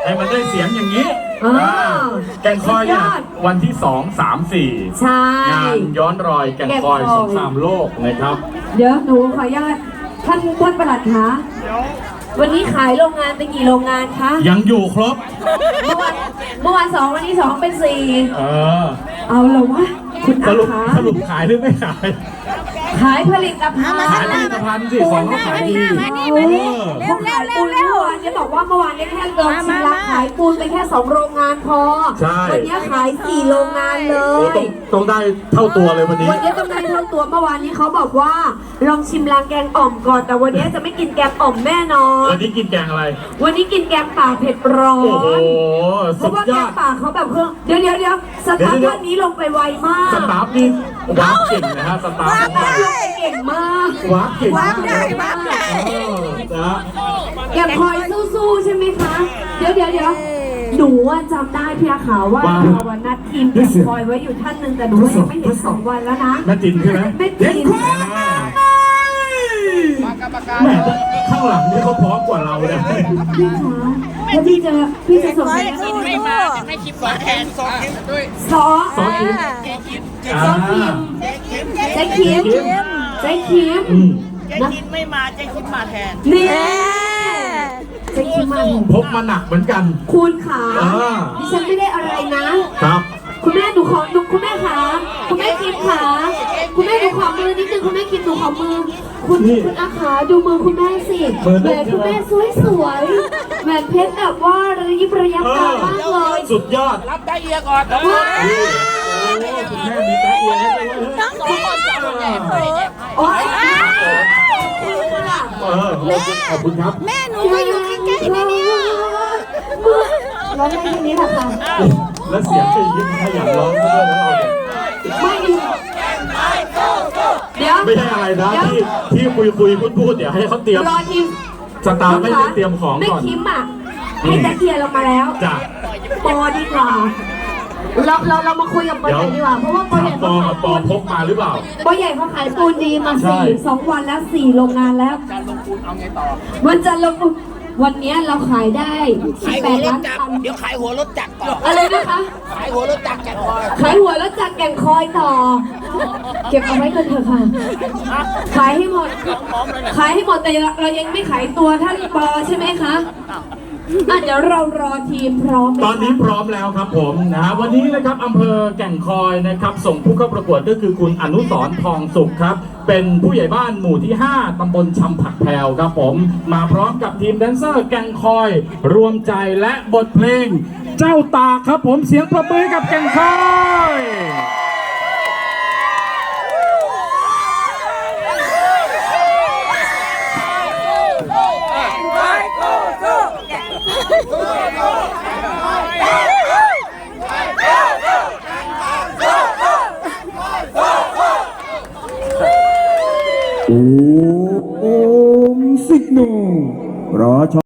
ให้มันได้เสียงอย่างนี้แก่งคอยเนี่ยวันที่2 3 4 ใช่งานย้อนรอยแก่งคอยสงครามโลกนะครับเดี๋ยวหนูขออนุญาตท่านปลัดคะวันนี้ขายโรงงานไปกี่โรงงานคะยังอยู่ครบเมื่อวาน2วันนี้2เป็น4เอาเหรอวะคุณสรุปขายหรือไม่ขายขายผลิตภัณฑ์สิของเขาขายดีเขาขายปูนเมื่อวานจะบอกว่าเมื่อวานนี้แค่ลองชิมแล้วขายปูนไปแค่2โรงงานพอวันนี้ขาย4โรงงานเลยต้องได้เท่าตัวเลยวันนี้ต้องได้เท่าตัวเมื่อวานนี้เขาบอกว่าลองชิมล้างแกงอ่อมก่อนแต่วันนี้จะไม่กินแกงอ่อมแน่นอนวันนี้กินแกงอะไรวันนี้กินแกงป่าเผ็ดร้อนโอ้โหเพราะว่าแกงป่าเขาแบบเครื่องเดี๋ยวสตาร์ทวันนี้ลงไปไวมากสตาร์ทนี่ว้าเก่งนะฮะสตาร์ทเก่งมากว้าเก่งมากแกคอยสู้ๆใช่ไหมคะเดี๋ยวหนูว่าจำได้พี่อาขาวว่าวันนัดทีมแกคอยไว้อยู่ท่านหนึ่งแต่หนูยังไม่เห็น2 วันแล้วนะแม่จินใช่ไหมแม่จินแม่ข้างหลังนี่เขาพร้อมกว่าเราเลยพี่คะถ้าพี่จะส่งไม่มาไม่คิดสอนแทนสอนด้วยสอนใจคิมเจ๊คิมไม่มาเจ๊คิมมาแทนนี่เจ๊คิมมาพกมาหนักเหมือนกันคุณขาดิฉันไม่ได้อะไรนะครับคุณแม่หนูขอคุณแม่ขาคุณแม่คิมขาคุณแม่หนูขอมือนิดนึงคุณแม่คิมหนูขอมือคุณอาขาดูมือคุณแม่สิแหวนคุณแม่สวยแหวนเพชรแบบว่าระยิบระยับตามากเลยสุดยอดรับได้เอียก่อนคุณแม่มีตาเอียให้ด้วยทั้ง2 คนจะแย่ให้โอ้ยขอบคุณครับแม่หนูก็อยู่ใกล้ๆนี่เนี่ยร้องได้แค่นี้แหละค่ะแล้วเสียงจะยิ่งขยันร้องด้วยแล้วเราไม่เดี๋ยวไม่ใช่อะไรนะที่คุยพูดเดี๋ยวให้เขาเตรียมรอทีมสตาร์ไม่ได้เตรียมของก่อนไม่คิมอ่ะให้ตะเกียร์ลงมาแล้วจ้ะปอดีกว่าเรามาคุยกับปอใหญ่ดีกว่าเพราะว่าปอใหญ่ปอพกมาหรือเปล่าปอใหญ่เขาขายปูนดีมา2 วันแล้ว4โรงงานแล้วการลงทุนเอาไงต่อมันจะลงวันนี้เราขายได้18 ล้านตันเดี๋ยวขายหัวรถจักรต่ออะไรนะคะขายหัวรถจักรแก่งคอยขายหัวรถจักรแก่งคอยต่อเก็บเอาไว้กันเถอะค่ะขายให้หมดแต่เรายังไม่ขายตัวท่านปอใช่ไหมคะเดี๋ยวเรารอทีมพร้อมตอนนี้พร้อมแล้วครับผมนะวันนี้นะครับอำเภอแก่งคอยนะครับส่งผู้เข้าประกวดก็คือคุณอนุสรณ์ทองสุขครับเป็นผู้ใหญ่บ้านหมู่ที่5ตำบลชำผักแพรวครับผมมาพร้อมกับทีมแดนเซอร์แก่งคอยรวมใจและบทเพลงเจ้าตาครับผมเสียงปรบมือกับแก่งคอยโอมสิกโนรอ